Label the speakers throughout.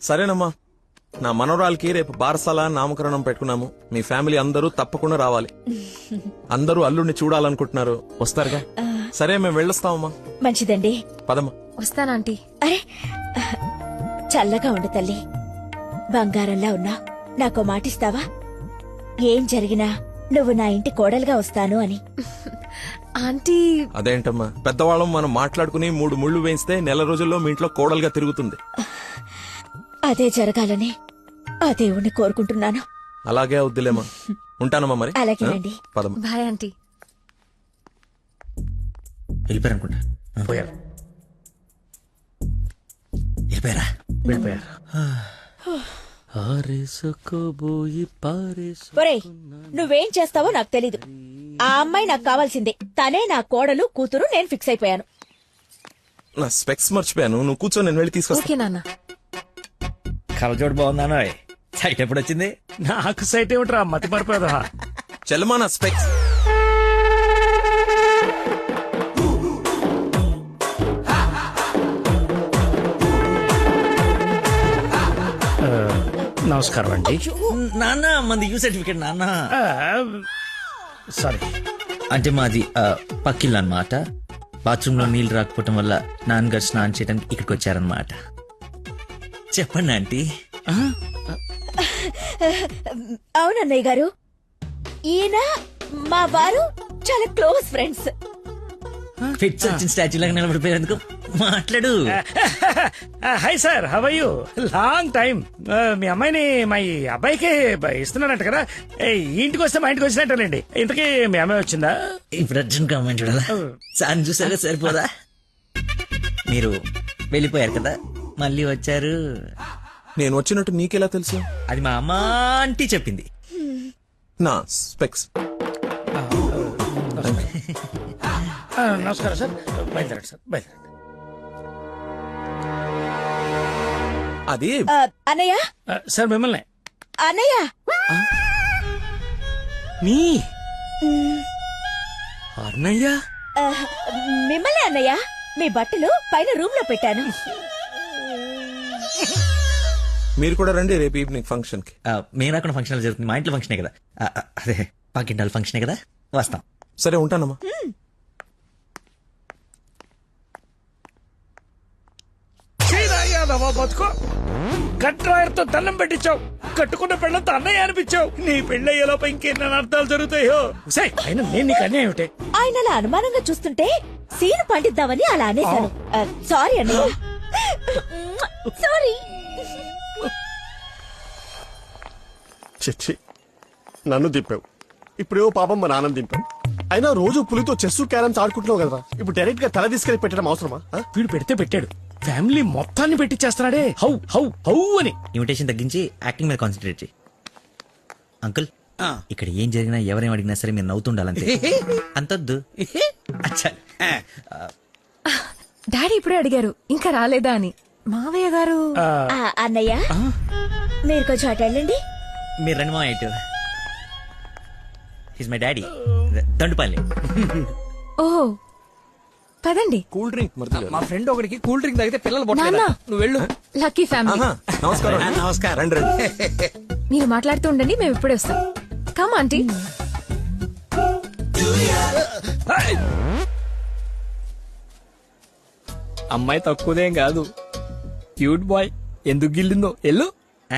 Speaker 1: సరేనమ్మా, నా మనవరాలకి రేపు బారసాల నామకరణం పెట్టుకున్నాము. మీ ఫ్యామిలీ అందరూ తప్పకుండా రావాలి. అందరూ అల్లుడిని చూడాలనుకుంటున్నారు, వస్తారుగా? సరే, మేము వెళ్ళొస్తామమ్మా.
Speaker 2: మంచిదండి.
Speaker 1: పదమ్మా.
Speaker 3: వస్తానంటీ.
Speaker 2: అరే చల్లగా ఉండు తల్లి, బంగారంలా ఉన్నా. నాకో మాటిస్తావా? ఏం జరిగినా నువ్వు నా ఇంటి కోడలుగా వస్తాను అని.
Speaker 3: ఆంటీ.
Speaker 1: అదేంటమ్మా, పెద్దవాళ్ళం మనం మాట్లాడుకుని 3 ముళ్ళు వేయిస్తే నెల రోజుల్లో మీ ఇంట్లో కోడలుగా తిరుగుతుంది.
Speaker 2: అదే జరగాలని ఆ దేవుణ్ణి కోరుకుంటున్నాను.
Speaker 1: అలాగే అవుద్దిలేమా. ఉంటానమ్మా మరి.
Speaker 2: అలాగేనండి.
Speaker 1: పదమ్మా.
Speaker 3: Bye aunty.
Speaker 4: వెళ్ళిపోయారనుకుంటా.
Speaker 5: పోయారు.
Speaker 4: వెళ్ళిపోయారా?
Speaker 5: వెళ్ళిపోయారు.
Speaker 2: ఒరేయ్, నువ్వేం చేస్తావో నాకు తెలీదు. ఆ అమ్మాయి నాకు కావాల్సిందే. తనే నా కోడలు కూతురు. నేను ఫిక్స్ అయిపోయాను.
Speaker 1: నా స్పెక్స్ మర్చిపోయాను, నువ్వు కూర్చో, నేను వెళ్ళి తీసుకొస్తా.
Speaker 3: ఓకే నాన్న.
Speaker 4: కలజోడు బాగుందానో. సైట్ ఎప్పుడు వచ్చింది?
Speaker 5: నాకు సైట్ ఏమిట్రా, మతి మరిపోదా.
Speaker 1: చెల్లమా నా స్పెక్స్.
Speaker 5: నమస్కారం అండి.
Speaker 4: నాన్న మంది యూ సర్టిఫికేట్ నాన్న.
Speaker 5: సారీ.
Speaker 4: అంటే మాది పక్కిల్లు అన్నమాట. బాత్రూమ్ లో నీళ్లు రాకపోవటం వల్ల నాన్నగారు స్నానం చేయడానికి ఇక్కడికి వచ్చారనమాట. చెప్పండి ఆంటీ.
Speaker 2: అవునన్నయ్య గారు, ఈయన మా వారు చాలా క్లోజ్ ఫ్రెండ్స్.
Speaker 4: ఫిట్స్ వచ్చిన స్టాచ్యూ లాగా నిలబడిపోయేందుకు మాట్లాడు.
Speaker 5: Hi sir, how are you? Long time. మీ అమ్మాయిని మా ఈ అబ్బాయికి ఇస్తున్నానంట కదా. ఈ ఇంటికి వస్తే మా ఇంటికి వచ్చినట్టేనండి. ఇంతకీ మీ అమ్మాయి వచ్చిందా?
Speaker 4: ఇప్పుడు అర్జున్ అమ్మాయిని చూడాలా? సార్ చూసారా, సరిపోదా? మీరు వెళ్ళిపోయారు కదా, మళ్ళీ వచ్చారు.
Speaker 1: నేను వచ్చినట్టు నీకెలా తెలుసు?
Speaker 4: అది మా అమ్మ ఆంటీ చెప్పింది.
Speaker 1: నా స్పెక్స్.
Speaker 5: నమస్కారం సార్. బయలుదేరండి సార్, బయలుదేరండి.
Speaker 1: అది
Speaker 2: అన్నయ్య.
Speaker 5: సార్ మిమ్మల్ని.
Speaker 2: అన్నయ్య.
Speaker 5: మీ అన్నయ్య.
Speaker 2: మిమ్మల్ని అన్నయ్య. మీ బట్టలు పైన రూమ్ లో పెట్టాను.
Speaker 1: మీరు కూడా రండి రేపు ఈవినింగ్ ఫంక్షన్ కి.
Speaker 4: మేము రాకుండా ఫంక్షన్ జరుగుతుంది. మా ఇంట్లో ఫంక్షనే కదా. అదే పాకింటాల ఫంక్షనే కదా, వస్తాం.
Speaker 1: సరే, ఉంటానమ్మా.
Speaker 5: బతుకో, కట్రాయర్తో దండం పెట్టించావు. కట్టుకున్న పెళ్ళంతో అన్నయ్య అనిపించావు. నీ పెళ్ళయ్యేలోపు ఇంకెన్న అర్థాలు జరుగుతాయో. అయినా నేను నీకు అన్యాయం ఏమిటి?
Speaker 2: ఆయన అలా అనుమానంగా చూస్తుంటే సీను పండిద్దామని అలా అనేశాను. సారీ అన్నయ్య. సారీ.
Speaker 6: చిచ్చి, నన్ను దింపావు. ఇప్పుడేవో పాపం మా నాన్న దింపావు. అయినా రోజు పులితో చెస్ క్యారమ్స్ ఆడుకుంటున్నావు కదా, ఇప్పుడు డైరెక్ట్ గా తల తీసుకెళ్లి పెట్టడం అవసరమా?
Speaker 5: వీడు పెడితే పెట్టాడు, ఫ్యామిలీ మొత్తాన్ని పెట్టించేస్తున్నాడే. హౌ హౌ హౌ అని.
Speaker 4: ఇన్విటేషన్ తగ్గించి యాక్టింగ్ మీద కాన్సన్ట్రేట్ చేయి. అంకుల్, ఇక్కడ ఏం జరిగినా ఎవరేం అడిగినా సరే మీరు నవ్వుతుండాలంతే. అంతొద్దు. అచ్చా.
Speaker 3: డాడీ ఇప్పుడే అడిగారు ఇంకా రాలేదా అని. మావయ్య గారు.
Speaker 2: అన్నయ్య, మీరు కొంచెం అటు వెళ్ళండి.
Speaker 4: మీరు రండి మా ఇటు. His my daddy, Dandupalli.
Speaker 3: ఓహో, పదండి.
Speaker 1: కూల్ డ్రింక్ మరి.
Speaker 7: మా ఫ్రెండ్ ఒకడికి కూల్ డ్రింక్ తాగితే పిల్లలు
Speaker 3: నాన్న.
Speaker 7: పొట్టలేదు. నువ్వు వెళ్ళు.
Speaker 3: Lucky family.
Speaker 1: నమస్కారం.
Speaker 4: నమస్కారం.
Speaker 1: రండి రండి.
Speaker 3: మీరు మాట్లాడుతూ ఉండండి, మేము ఇప్పుడే వస్తాం. Come aunty.
Speaker 7: అమ్మాయి తక్కువదేం కాదు, క్యూట్ బాయ్. ఎందుకు గిల్లిందో ఎల్లు.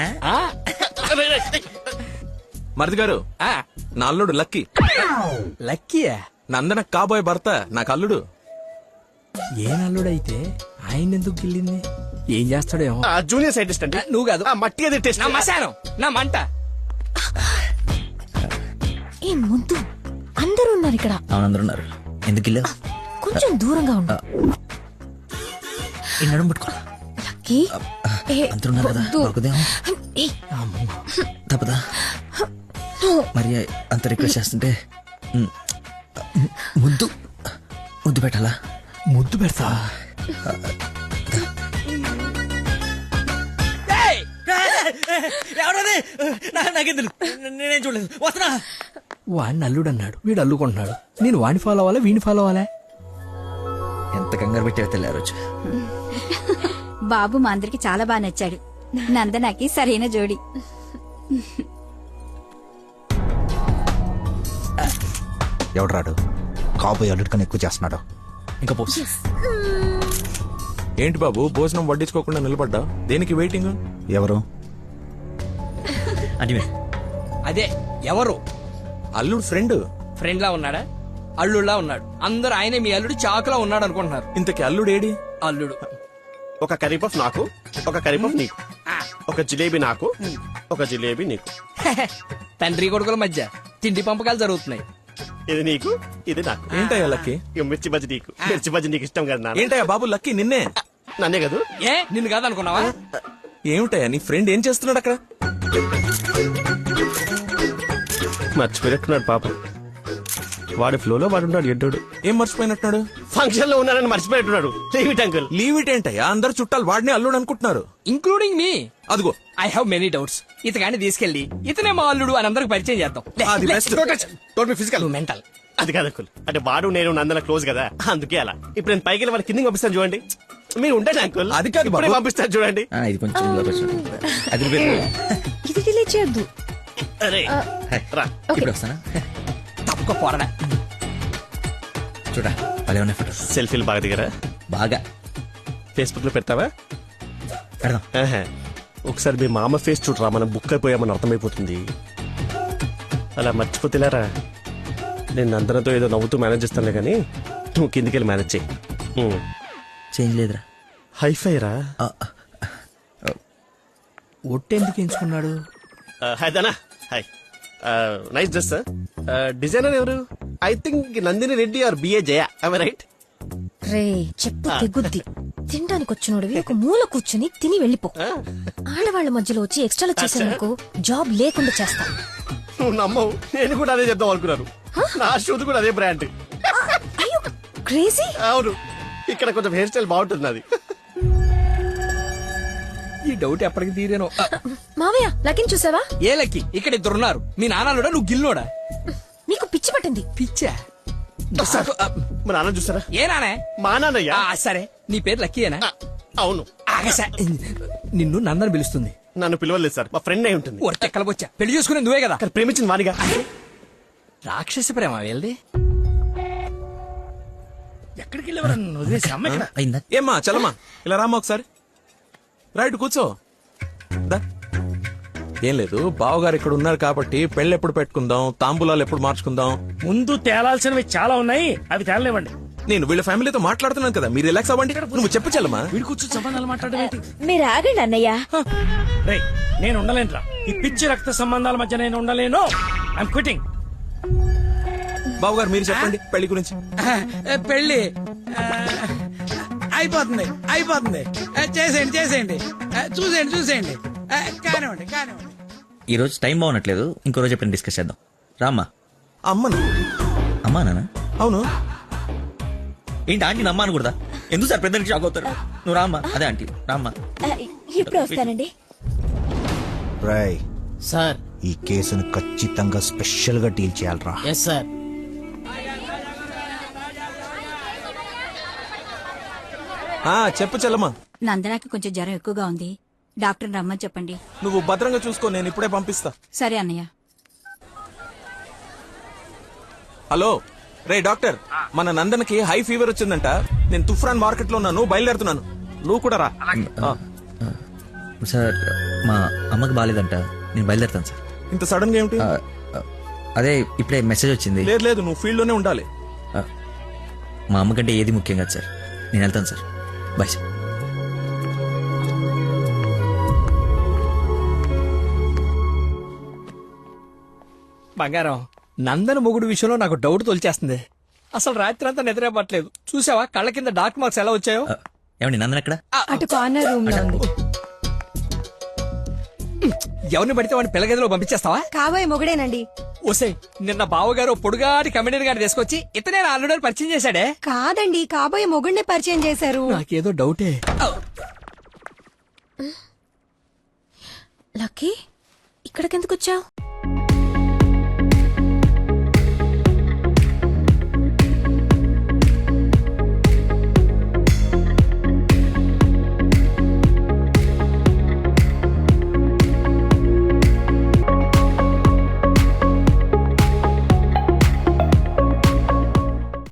Speaker 1: మరిది గారు, నా అల్లుడు లక్కీ.
Speaker 7: లక్కీయా?
Speaker 1: నందన కాబోయే భర్త నాకు అల్లుడు.
Speaker 7: ఏ నల్లుడైతే ఆయన ఎందుకు గిల్లింది? ఏం చేస్తాడేమో.
Speaker 6: జూనియర్ సైంటిస్ట్ అంటే
Speaker 7: నువ్వు కాదు,
Speaker 6: మట్టిగా తిట్టేసి
Speaker 7: నా మశానం, నా మంట.
Speaker 3: ఏ ముద్దు, అందరూ ఉన్నారు ఇక్కడ.
Speaker 4: అవునందరూ ఉన్నారు. ఎందుకు ఇల్లు?
Speaker 3: కొంచెం దూరంగా ఉండు.
Speaker 4: ఈ నడుము పట్టుకో.
Speaker 3: లక్కీ.
Speaker 4: అందరూ ఉన్నారు కదా,
Speaker 3: వద్దు.
Speaker 4: దొరకదేమో. తప్పదా? మరి అంత రిక్వెస్ట్ చేస్తుంటే ముద్దు ముద్దు పెట్టాలా?
Speaker 7: ముద్దు పెడతా.
Speaker 4: నేనేం చూడలేదు, వస్తున్నా.
Speaker 7: వాడిని అల్లుడు అన్నాడు, వీడు అల్లుకుంటున్నాడు. నేను వాడిని ఫాలో అవ్వాలా, వీడిని ఫాలో అవ్వాలా?
Speaker 4: ఎంత కంగారు పెట్టావో తెల్లారు.
Speaker 8: బాబు మా అందరికి చాలా బాగా నచ్చాడు. నందనకి సరైన జోడి.
Speaker 9: ఎవడ్రాడు కాబోయే అల్లుడు కన్నా ఎక్కువ చేస్తున్నాడు.
Speaker 4: ఇంకా పోస్.
Speaker 1: ఏంటి బాబు భోజనం వడ్డించుకోకుండా నిలబడ్డా? దేనికి వెయిటింగ్?
Speaker 9: ఎవరు?
Speaker 4: అంటే మీరు
Speaker 7: అదే ఎవరు?
Speaker 1: అల్లుడు ఫ్రెండ్.
Speaker 7: ఫ్రెండ్ లా ఉన్నాడా? అల్లుడులా ఉన్నాడు. అందరూ ఆయనే మీ అల్లుడు చాకులా ఉన్నాడు అనుకుంటున్నారు.
Speaker 1: ఇంతకి అల్లుడు ఏడి?
Speaker 7: అల్లుడు
Speaker 6: ఒక కర్రీ పఫ్ నాకు, ఒక కర్రీ పఫ్ నీకు, ఒక జిలేబీ నాకు, ఒక జిలేబీ నీకు.
Speaker 7: తండ్రి కొడుకుల మధ్య తిండి పంపకాలు జరుగుతున్నాయి.
Speaker 6: ఇది నీకు, ఇది నాకు.
Speaker 1: ఏంటయ్యా లక్కీ?
Speaker 6: ఇక మిర్చి బజ్జి నీకు, మిర్చి బజ్జి నీకు ఇష్టం కదా నాన్న?
Speaker 1: ఏంటయ్యా బాబు లక్కీ నిన్నే?
Speaker 6: నన్నే కదా.
Speaker 7: ఏ నిన్ను కాదనుకున్నావా?
Speaker 1: ఏమిటయ్యా నీ ఫ్రెండ్ ఏం చేస్తున్నాడు అక్కడ?
Speaker 6: మర్చిపోయినట్టున్నాడు పాపం. వాడి ఫ్లోలో వాడు ఉన్నాడు ఎడ్డోడు.
Speaker 1: ఏం మర్చిపోయినట్టున్నాడు?
Speaker 6: ఫంక్షన్ లో ఉన్నాడని మర్చిపోయినట్టున్నాడు. Leave it uncle.
Speaker 1: Leave it ఏంటయ్యా? అందరు చుట్టాలు వాడిని అల్లుడు అనుకుంటున్నారు.
Speaker 7: Including me.
Speaker 1: అదిగో
Speaker 7: ఐ హావ్ మెనీ డౌట్స్. ఇతగాని తీసుకెళ్లి ఇతనే మా అల్లుడు అని అందరికి పరిచయం చేద్దాం.
Speaker 1: అది best.
Speaker 6: Physical
Speaker 7: mental.
Speaker 6: అది కాదు అంకుల్. అంటే వాడు నేను నందన క్లోజ్ కదా, అందుకే అలా. ఇప్పుడు నేను పైకి వెళ్ళి వాడి కిందకి పంపిస్తాను చూడండి. మీరు ఉండండి అంకుల్.
Speaker 1: అది కాదు బాబు.
Speaker 6: ఇప్పుడే పంపిస్తాను చూడండి.
Speaker 4: ఇది కొంచెం లోకి వచ్చినట్టు. అది
Speaker 3: ఇది డిలీట్ చేయొద్దు.
Speaker 6: అరే రా.
Speaker 4: ఇప్పుడు వస్తానా?
Speaker 7: తప్పుకో పోరడా.
Speaker 4: చూడా భలే ఉన్నాయి ఫోటో.
Speaker 6: సెల్ఫీలు బాగా దిగరా?
Speaker 4: బాగా
Speaker 6: ఫేస్బుక్ లో పెడతావా?
Speaker 4: పెడదాం.
Speaker 6: ఆహా. ఒకసారి మీ మామ ఫేస్ చూడరా, మనం బుక్ అయిపోయామని అర్థమైపోతుంది. అలా మర్చిపోతేలారా. నేను అందరితో ఏదో నవ్వుతూ మేనేజ్ చేస్తానులే కానీ నువ్వు కిందికి వెళ్ళి మేనేజ్ చేయి.
Speaker 4: చేంజ్ లేదురా.
Speaker 6: హైఫై రా.
Speaker 7: ఒట్టెందుకు ఎంచుకున్నాడు?
Speaker 6: Hi Dana. Hi. Nice dress sir. Designer ఎవరు? I think Nandini Reddy or B A Jaya. Right?
Speaker 3: రే చెప్పు తెగుద్ది. తినడానికి వచ్చినోడివి ఒక మూల కూర్చుని తిని వెళ్ళిపో. ఆడవాళ్ల మధ్యలో వచ్చి ఎక్స్ట్రాలు చేసేందుకు జాబ్ లేకుండా చేస్తా.
Speaker 6: నువ్వు నమ్మవు, నేను కూడా అదే చెప్దాం అనుకున్నాను. నా షూది కూడా అదే బ్రాండ్.
Speaker 3: అయ్యో క్రేజీ.
Speaker 6: అవును, ఇక్కడ కొంచెం హెయిర్ స్టైల్ బాగుంటుంది నాది.
Speaker 7: ఈ డౌట్ ఎప్పటికి తీరేనో.
Speaker 3: మావయ్య లకిన్ చూసావా?
Speaker 7: ఏ లక్కి? ఇక్కడ ఇద్దరున్నారు. మీ నాన్నలోడా నువ్వు గిల్లోడా?
Speaker 3: నీకు పిచ్చి పట్టింది.
Speaker 7: పిచ్చా?
Speaker 6: మా నాన్న చూసారా?
Speaker 7: ఏ నానే?
Speaker 6: మా నాన్నయ్య.
Speaker 7: సరే నీ పేరు లక్కీయేనా?
Speaker 6: అవును.
Speaker 7: ఆగసా నిన్ను నందని పిలుస్తుంది.
Speaker 6: నన్ను పిలవలేదు సార్, మా ఫ్రెండ్ అయి ఉంటుంది.
Speaker 7: ఒరచెక్కల బొచ్చా. పెళ్లి చేసుకునే నువ్వే కదా.
Speaker 6: కానీ ప్రేమించింది వానిగా.
Speaker 7: రాక్షస ప్రేమ వెళ్ళది. ఎక్కడికి వెళ్ళేవారు వదిలేసి అమ్మ ఇక్కడ?
Speaker 4: అయిందా?
Speaker 1: ఏమ్మా చలమా ఇలా రామ్మా ఒకసారి. రైట్ కూర్చో. దా. ఏం లేదు, బావగారు ఇక్కడ ఉన్నారు కాబట్టి పెళ్ళి ఎప్పుడు పెట్టుకుందాం, తాంబూలాలు ఎప్పుడు మార్చుకుందాం.
Speaker 5: ముందు తేలాల్సినవి చాలా ఉన్నాయి, అవి తేలనివ్వండి.
Speaker 1: నేను వీళ్ళ ఫ్యామిలీతో మాట్లాడుతున్నాను కదా, మీరు రిలాక్స్ అవ్వండి. నువ్వు చెప్పు చలమా.
Speaker 5: వీడి కూర్చొని సంబంధాలు మాట్లాడడం ఏంటి?
Speaker 2: మీరు ఆగండి అన్నయ్య.
Speaker 5: రేయ్, నేను ఉండలేనురా. ఈ పిచ్చి రక్త సంబంధాల మధ్య నేను ఉండలేను. I'm quitting.
Speaker 1: బావగారు మీరు చెప్పండి పెళ్లి గురించి.
Speaker 10: పెళ్లి అయిపోతుంది అయిపోతుంది. చేసేయండి చేసేయండి. చూసేయండి చూసేయండి. కానివ్వండి కానివ్వండి.
Speaker 4: ఈ రోజు టైం బాగున్నట్లేదు, ఇంకో రోజు ఎప్పుడైనా డిస్కస్ చేద్దాం. రామ్మా.
Speaker 1: అమ్మను.
Speaker 4: అమ్మా నాన్న?
Speaker 1: అవును.
Speaker 4: ఏంటి ఆంటీ నమ్మా అనకూడదా? ఎందుకు సార్ పెద్దలకి షాక్ అవుతారు? నువ్వు రామ్మా. అదే ఆంటీ రామ్మా.
Speaker 2: ఇప్పుడు వస్తానండి.
Speaker 9: రాయ్
Speaker 10: సార్.
Speaker 9: ఈ కేసును ఖచ్చితంగా స్పెషల్ గా డీల్ చేయాలరా.
Speaker 10: Yes sir.
Speaker 1: చెప్పు చలమా.
Speaker 8: నందనకి కొంచెం జ్వరం ఎక్కువగా ఉంది. డాక్టర్ రమ్మని చెప్పండి.
Speaker 1: నువ్వు భద్రంగా చూసుకో, నేను ఇప్పుడే పంపిస్తా.
Speaker 8: సరే అన్నయ్య.
Speaker 1: హలో రే డాక్టర్, మన నందనకి హై ఫీవర్ వచ్చిందంట. నేను తుఫ్రాన్ మార్కెట్ లో ఉన్నాను, బయలుదేరుతున్నాను. నువ్వు కూడా రా.
Speaker 4: సార్ మా అమ్మకి బాగాలేదంట, నేను బయలుదేరుతాను సార్.
Speaker 1: ఇంత సడన్ గా ఏమిటి?
Speaker 4: అదే ఇప్పుడే మెసేజ్ వచ్చింది.
Speaker 1: లేదు లేదు, నువ్వు ఫీల్డ్ లోనే ఉండాలి.
Speaker 4: మా అమ్మకంటే ఏది ముఖ్యం కాదు సార్. నేను వెళ్తాను సార్. Bye sir.
Speaker 7: బంగారం, నందన మొగుడు విషయంలో నాకు డౌట్ తొలిచేస్తుంది. అసలు రాత్రి అంతా నిద్రపట్లేదు. చూసావా కళ్ళ కింద డార్క్ మార్క్స్ ఎలా వచ్చాయో?
Speaker 4: ఏమండి నందన ఎక్కడ?
Speaker 3: అటు కార్నర్ రూమ్ లో ఉంది.
Speaker 7: ఎవరిని పడితే వాడిని పిల్లగదిలో పంపించేస్తావా?
Speaker 3: కాబోయే మొగుడేనండి.
Speaker 7: ఓసే, నిన్న బావగారు పొడుగాటి కమిడీని గారిని తీసుకొచ్చి ఇతనే నా అల్లుడని పరిచయం చేశాడే.
Speaker 3: కాదండి, కాబోయే మొగుడిని పరిచయం చేశారు.
Speaker 7: నాకేదో డౌటే.
Speaker 3: లక్కీ ఇక్కడికెందుకు వచ్చావు?